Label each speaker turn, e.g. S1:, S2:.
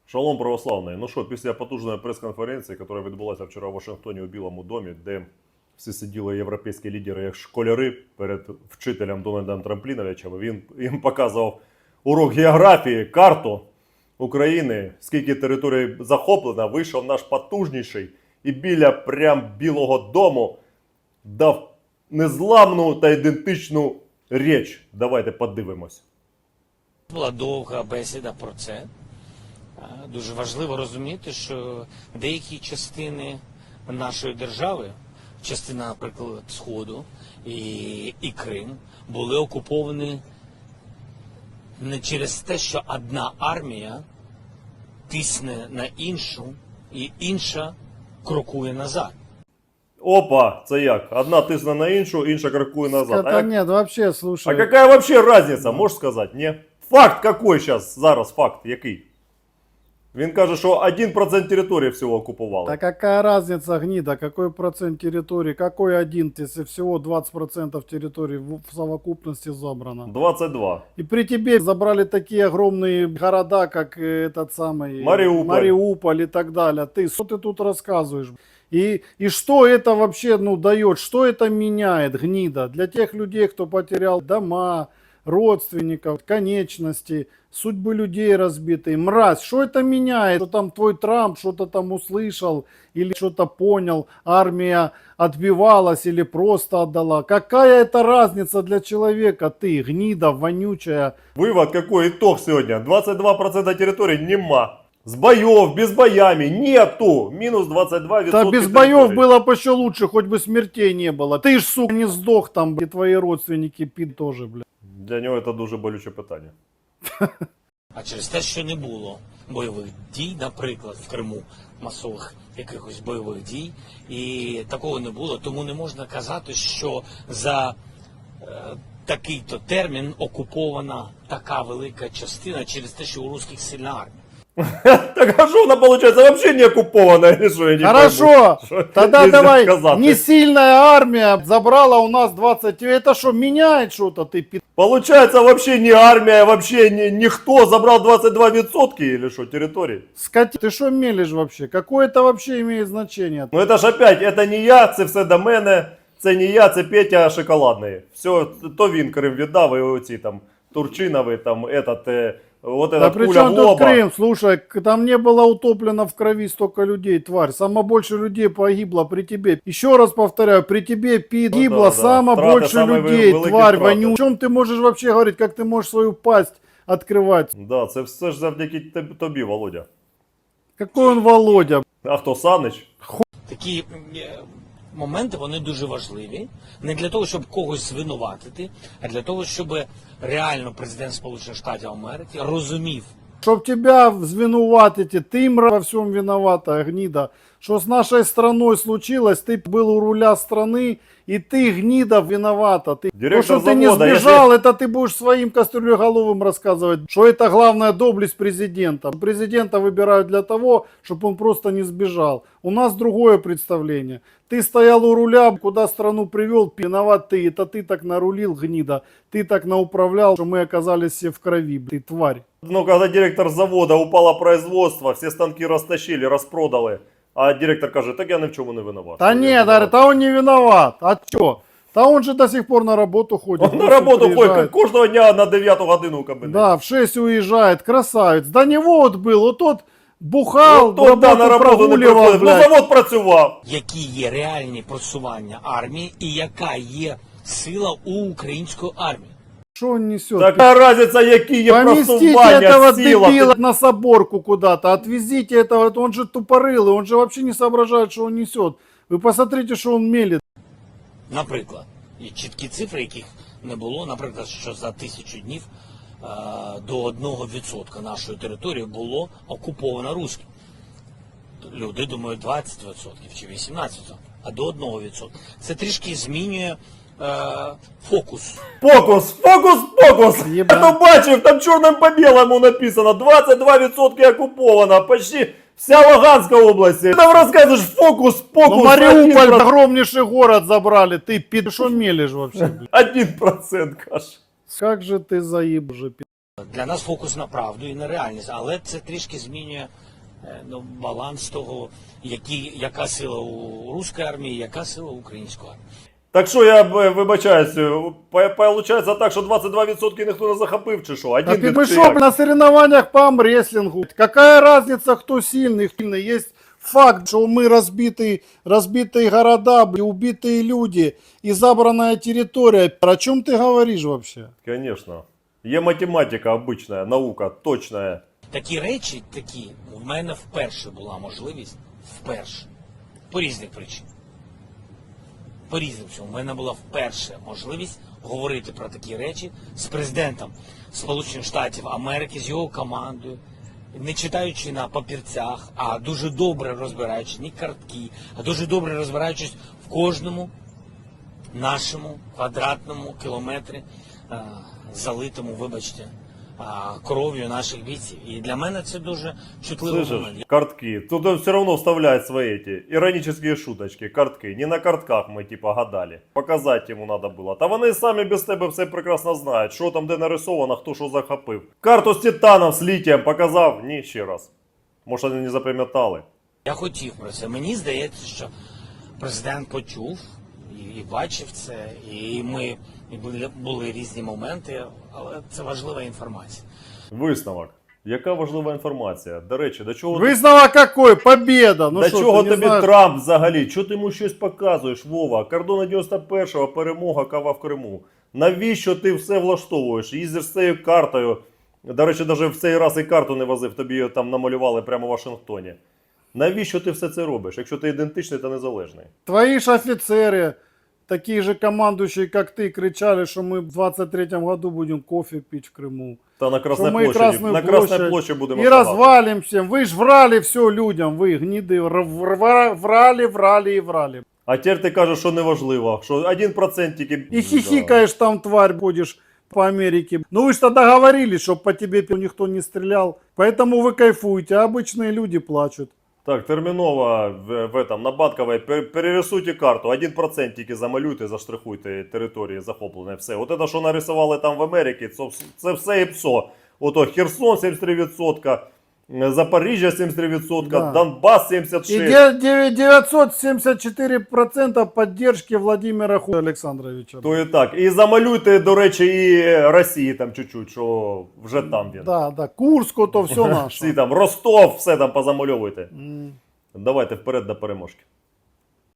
S1: Шалом православний. Ну що, після потужної прес-конференції, яка відбулася вчора в Вашингтоні у Білому домі, де всі сиділи європейські лідери як школяри перед вчителем Дональдом Трампліновичем, він їм показував урок географії, карту України, скільки територій захоплено, вийшов наш потужніший і біля прям Білого дому дав незламну та ідентичну річ. Давайте подивимось.
S2: Була довга бесіда про це. Дуже важливо розуміти, що деякі частини нашої держави, частина, наприклад, Сходу і Крим, були окуповані не через те, що одна армія тисне на іншу, і інша крокує назад.
S1: Опа, це як? Одна тисне на іншу, інша крокує назад.
S3: Да нет, вообще, слушай.
S1: А какая вообще разница, можешь сказать, не? Факт какой зараз факт, який? Він каже, що 1% території всього окупували.
S3: Да какая разница, гнида, какой процент территории, какой один, если всего 20% территории в совокупности забрано.
S1: 22.
S3: И при тебе забрали такие огромные города, как этот самый
S1: Мариуполь
S3: и так далее. Что ты тут рассказываешь? И что это вообще дает, что это меняет, гнида, для тех людей, кто потерял дома, родственников, конечности, судьбы людей разбитые. Мразь, что это меняет? Что там твой Трамп что-то там услышал или что-то понял, армия отбивалась или просто отдала. Какая это разница для человека, ты, гнида, вонючая?
S1: Вывод какой, итог сегодня? 22% территории нема. С боев, без боями, нету. Минус 22%.
S3: Да без боев было бы еще лучше, хоть бы смертей не было. Ты ж, сука, не сдох там, и твои родственники пид тоже, бля.
S1: Для нього це дуже болюче питання.
S2: А через те, що не було бойових дій, наприклад, в Криму, масових якихось бойових дій, і такого не було, тому не можна казати, що за такий-то термін окупована така велика частина через те, що у русських сильна армія.
S1: Так а что она получается вообще не оккупованная или что? Я не
S3: Хорошо,
S1: пойму,
S3: тогда
S1: нельзя
S3: давай,
S1: сказать.
S3: не сильная армия забрала у нас 20, это что, меняет что-то, ты пи***?
S1: Получается вообще не армия, вообще никто забрал 22% или что, территории?
S3: Скотина, ты что мелешь вообще? Какое это вообще имеет значение?
S1: Ну это ж опять, это не я, це все до мене, це не я, це Петя Шоколадний. Все, то він Крим віддав, і оці там Турчинові, там этот, вот
S3: Да
S1: этот
S3: при
S1: пуля
S3: чем
S1: в
S3: тут
S1: лоба.
S3: Крым? Слушай, там не было утоплено в крови столько людей, тварь. Самое больше людей погибло при тебе. Еще раз повторяю, при тебе погибло
S1: да.
S3: самое
S1: Втраты
S3: больше
S1: самые
S3: людей,
S1: великие
S3: тварь
S1: втраты.
S3: вонючая. О чем ты можешь вообще говорить, как ты можешь свою пасть открывать?
S1: Да, це все ж завдяки тобі, Володя.
S3: Какой он Володя?
S1: А хто, Санич?
S2: Такі моменти, вони дуже важливі. Не для того, щоб когось звинуватити, а для того, щоб реально президент Сполучених Штатів Америки розумів,
S3: Чтоб тебя звинуватить, ты во всем виновата, гнида. Что с нашей страной случилось, ты был у руля страны, и ты, гнида, виновата. То,
S1: Директор
S3: что ты не
S1: завода,
S3: сбежал, это ты будешь своим кастрюлеголовым рассказывать, что это главная доблесть президента. Президента выбирают для того, чтобы он просто не сбежал. У нас другое представление. Ты стоял у руля, куда страну привел, виноват ты. Это ты так нарулил, гнида. Ты так науправлял, что мы оказались все в крови, ты тварь.
S1: Ну, когда директор завода, упало производство, все станки растащили, распродали. А директор каже, так я ни в чому не виноват.
S3: Да нет, говорит, а он не виноват. А чё? Да он же до сих пор на работу ходит.
S1: Он на работу ходит кожного дня на 9 годину у кабінеті.
S3: Да, в 6 уезжает, красавец. До него вот был, вот тот бухал,
S1: Тот, да, на роботу не
S3: прогуливал,
S1: приходив. Ну,
S3: блядь.
S1: завод працював.
S2: які є реальні просування армії і яка є сила у української армії.
S3: Что он несет?
S1: Така разниця, які є
S3: Поместите
S1: просування,
S3: этого
S1: сила.
S3: дебила на соборку куда-то, отвезите этого, он же тупорылый, он же вообще не соображает, что он несет. Вы посмотрите, что он мелет.
S2: Наприклад, є чіткі цифри, яких не було, наприклад, що за 1000 днів до 1% нашої території було окуповано русським. Люди думають 20% чи 18%, а до 1%. Це трішки змінює фокус.
S1: Фокус. Я то бачив, там чорним по білому написано. 22% окуповано, почти вся Луганська область. Ти нам розказуєш фокус.
S3: Ну, Мариуполь, огромнейший город забрали, ты пи***, что мелешь вообще?
S1: 1% каже.
S3: Как же ты заеб же, пи***.
S2: Для нас фокус на правду і на реальність, але це трішки змінює баланс того, яка сила у руської армії, яка сила у української армії.
S1: Так що я вибачаюсь, получається так, що 22% ніхто не захопив, чи що?
S3: А
S1: Один
S3: ты
S1: чи
S3: что,
S1: як?
S3: на соревнованиях по амрестлингу? Какая разница, кто сильный? Есть факт, что мы разбитые города, убитые люди и забранная территория. О чем ты говоришь вообще?
S1: Конечно. Є математика обична, наука, точна.
S2: Такі речі, в мене вперше була можливість, по різних причинах. По різним чому. У мене була вперше можливість говорити про такі речі з президентом Сполучених Штатів Америки, з його командою, не читаючи на папірцях, а дуже добре розбираючись, не картки, а дуже добре розбираючись в кожному нашому квадратному кілометрі, залитому, вибачте, кров'ю наших бійців. І для мене це дуже чутливий
S1: Слышишь,
S2: момент.
S1: картки. Тут все равно вставляют свои эти иронические шуточки, картки. Не на картках мы типа гадали. Показать йому надо було. Та вони самі без тебе все прекрасно знають, що там де нарисовано, хто що захопив. Карту з титаном, з літієм показав? Ні, ще раз. Може вони не запам'ятали.
S2: Я хотів про це. Мені здається, що президент почув і бачив це, і були різні моменти, але це важлива інформація.
S1: Висновок. Яка важлива інформація? До речі, до чого...
S3: Высновок какой? Победа! Ну
S1: До
S3: что,
S1: чого
S3: ты не
S1: тобі
S3: знаешь?
S1: Трамп взагалі? Чого ти йому щось показуєш, Вова? Кордони 91-го, перемога, кава в Криму. Навіщо ти все влаштовуєш? Їздиш з цією картою. До речі, навіть в цей раз і карту не возив, тобі її там намалювали прямо в Вашингтоні. Навіщо ти все це робиш, якщо ти ідентичний та незалежний?
S3: Твои же офицеры, такие же командующие, как ты, кричали, что мы в 23-м году будем кофе пить в Крыму.
S1: Та на Красній
S3: Что мы
S1: площаді,
S3: Красную
S1: на Красній
S3: площадь
S1: площі будемо
S3: и
S1: шагати.
S3: развалимся. Вы ж врали все людям, вы гниды, врали.
S1: А тепер ти кажеш, що неважливо, що 1% тільки...
S3: И хихикаешь там, тварь, будешь по Америке. Ну вы же тогда говорили, чтобы по тебе никто не стрелял. Поэтому вы кайфуете, а обычные люди плачут.
S1: Так, терміново на Батковій перерисуйте карту, 1% тільки замалюйте, заштрихуйте території захоплені, все. От це, що нарисували там в Америці, це все і ПСО. Ото Херсон 73%, Запоріжжя 73%,
S3: Да.
S1: Донбас
S3: И
S1: 76%.
S3: 974% поддержки Владимира Александровича.
S1: То і так. І замалюйте, до речі, і Росії там чуть-чуть, що вже там він.
S3: Да, Курск, то все
S1: Всі
S3: наше.
S1: там, Ростов, все там позамальовуйте.
S3: М.
S1: Давайте вперед до переможки.